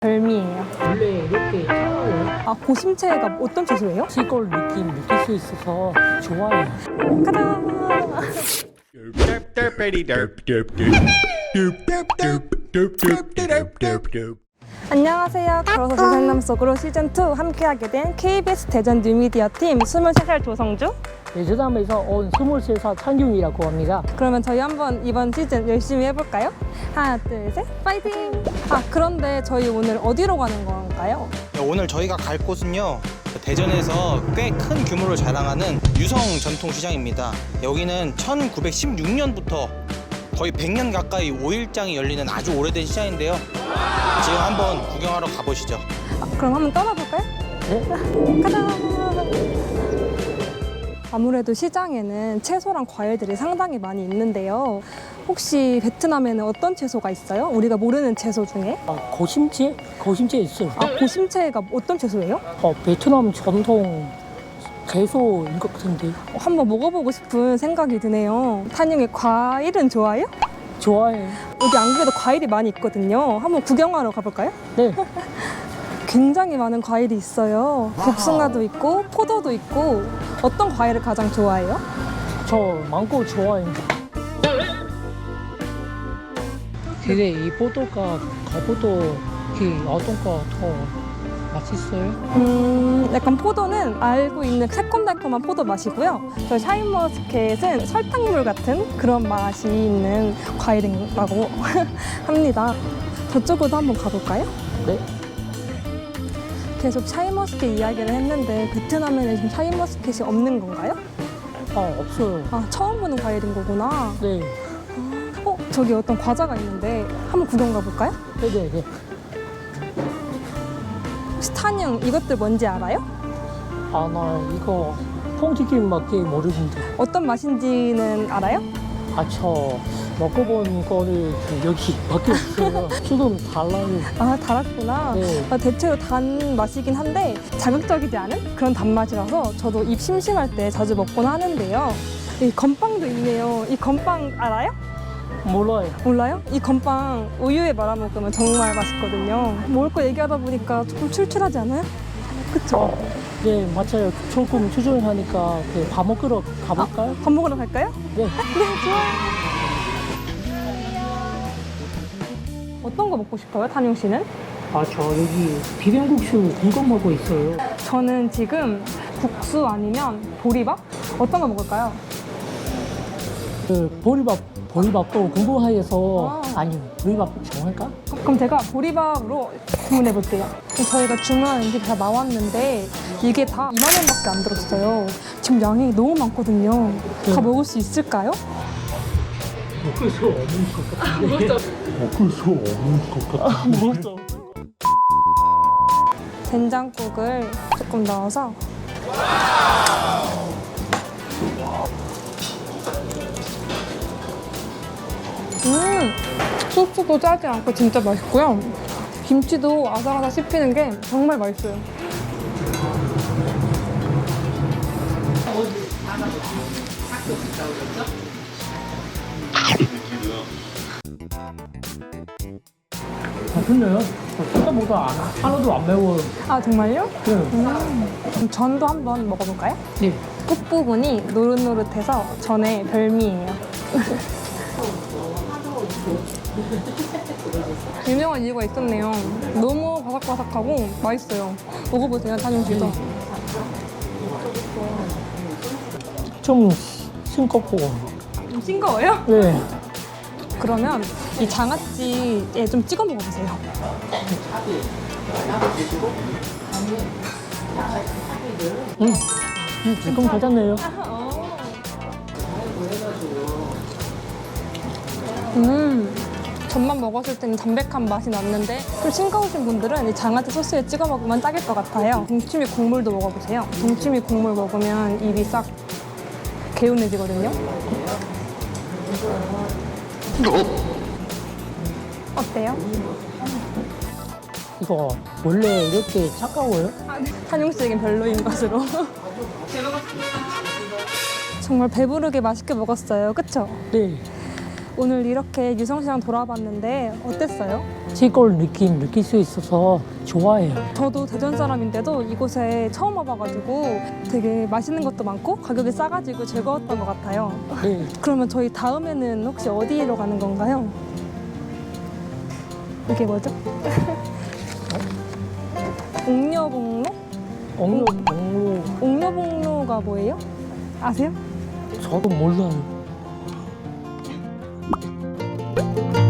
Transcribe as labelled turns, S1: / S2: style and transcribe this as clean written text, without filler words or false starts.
S1: 별미예요.
S2: 원래 이렇게 차가워요.
S1: 아, 고심채가 어떤 채소예요?
S2: 시골 느낌 느낄 수 있어서 좋아요.
S1: 가자. 안녕하세요. 걸어서 세상남 속으로 시즌2 함께하게 된 KBS 대전 뉴미디어 팀 23살 조성주.
S2: 제주담에서 온 23살 찬균이라고 합니다.
S1: 그러면 저희 한번 이번 시즌 열심히 해볼까요? 하나, 둘, 셋, 파이팅! 아, 그런데 저희 오늘 어디로 가는 건가요?
S3: 오늘 저희가 갈 곳은요, 대전에서 꽤 큰 규모를 자랑하는 유성 전통시장입니다. 여기는 1916년부터 거의 100년 가까이 5일장이 열리는 아주 오래된 시장인데요. 지금 한번 구경하러 가보시죠.
S1: 아, 그럼 한번 떠나볼까요?
S2: 네?
S1: 가자! 아무래도 시장에는 채소랑 과일들이 상당히 많이 있는데요. 혹시 베트남에는 어떤 채소가 있어요? 우리가 모르는 채소 중에?
S2: 고심채? 고심채 있어요.
S1: 아, 고심채가 어떤 채소예요?
S2: 베트남 전통 채소인 것 같은데.
S1: 한번 먹어보고 싶은 생각이 드네요. 탄영이 과일은 좋아해요?
S2: 좋아해.
S1: 여기 안 그래도 과일이 많이 있거든요. 한번 구경하러 가볼까요?
S2: 네.
S1: 굉장히 많은 과일이 있어요. 복숭아도 있고 포도도 있고. 어떤 과일을 가장 좋아해요?
S2: 저 망고 좋아해요. 근데 이 포도가 거보도 어떤 거 더 맛있어요?
S1: 약간 포도는 알고 있는 새콤달콤한 포도 맛이고요. 저 샤인머스켓은 설탕물 같은 그런 맛이 있는 과일이라고 합니다. 저쪽으로도 한번 가볼까요?
S2: 네.
S1: 계속 샤인머스켓 이야기를 했는데 베트남에는 지금 샤인머스켓이 없는 건가요?
S2: 없어요.
S1: 아, 처음 보는 과일인 거구나.
S2: 네.
S1: 저기 어떤 과자가 있는데 한번 구경 가볼까요?
S2: 네네네.
S1: 혹시 탄영 이것들 뭔지 알아요?
S2: 나 이거 퐁치킨밖에 모르는데.
S1: 어떤 맛인지는 알아요?
S2: 저 먹어본 거를 여기밖에 없어요. 조금 달라요.
S1: 아, 달았구나.
S2: 네.
S1: 대체로 단 맛이긴 한데 자극적이지 않은 그런 단맛이라서 저도 입 심심할 때 자주 먹곤 하는데요. 이 건빵도 있네요. 이 건빵 알아요?
S2: 몰라요.
S1: 몰라요? 이 건빵 우유에 말아 먹으면 정말 맛있거든요. 먹을 거 얘기하다 보니까 조금 출출하지 않아요? 그쵸?
S2: 네, 맞아요. 조금 추천하니까 밥 먹으러 가볼까요?
S1: 밥 먹으러 갈까요?
S2: 네.
S1: 네, 좋아요. 어떤 거 먹고 싶어요, 탄용 씨는?
S2: 저 여기 비빔국수 궁금하고 있어요.
S1: 저는 지금 국수 아니면 보리밥? 어떤 거 먹을까요?
S2: 보리밥도 궁금해서
S1: 아.
S2: 아니, 보리밥 정할까?
S1: 그럼 제가 보리밥으로 주문해 볼게요. 저희가 주문한 음식이 다 나왔는데 이게 다 2만 원밖에 안 들었어요. 지금 양이 너무 많거든요. 다
S2: 네.
S1: 먹을 수 있을까요?
S2: 먹을 수 없는 것 같은데. 먹을 수 없는 것 같은데.
S1: 된장국을 조금 넣어서 소스도 짜지 않고 진짜 맛있고요. 김치도 아삭아삭 씹히는 게 정말 맛있어요.
S2: 맛있네요. 생각보다 하나도 안 매워요.
S1: 아, 정말요?
S2: 네.
S1: 그럼 전도 한번 먹어볼까요?
S2: 네.
S1: 끝부분이 노릇노릇해서 전의 별미예요. 유명한 이유가 있었네요. 너무 바삭바삭하고 맛있어요. 먹어보세요, 탄용 씨도.
S2: 좀 싱겁고.
S1: 좀 싱거워요?
S2: 네.
S1: 그러면 이 장아찌에 좀 찍어 먹어보세요.
S2: 지금 괜찮네요.
S1: 전만 먹었을 때는 담백한 맛이 났는데 좀 싱거우신 분들은 이 장아찌 소스에 찍어 먹으면 딱일 것 같아요. 동치미 국물도 먹어보세요. 동치미 국물 먹으면 입이 싹 개운해지거든요. 어때요?
S2: 이거 원래 이렇게 차가워요?
S1: 탄용 씨에겐 별로인 것으로. 정말 배부르게 맛있게 먹었어요. 그쵸?
S2: 네.
S1: 오늘 이렇게 유성시장 돌아봤는데 어땠어요?
S2: 시골 느낌 느낄 수 있어서 좋아해요.
S1: 저도 대전 사람인데도 이곳에 처음 와봐가지고 되게 맛있는 것도 많고 가격이 싸가지고 즐거웠던 것 같아요.
S2: 네.
S1: 그러면 저희 다음에는 혹시 어디로 가는 건가요? 이게 뭐죠? 옥녀봉로?
S2: 옥로
S1: 옥녀봉로가 뭐예요? 아세요?
S2: 저도 몰라요.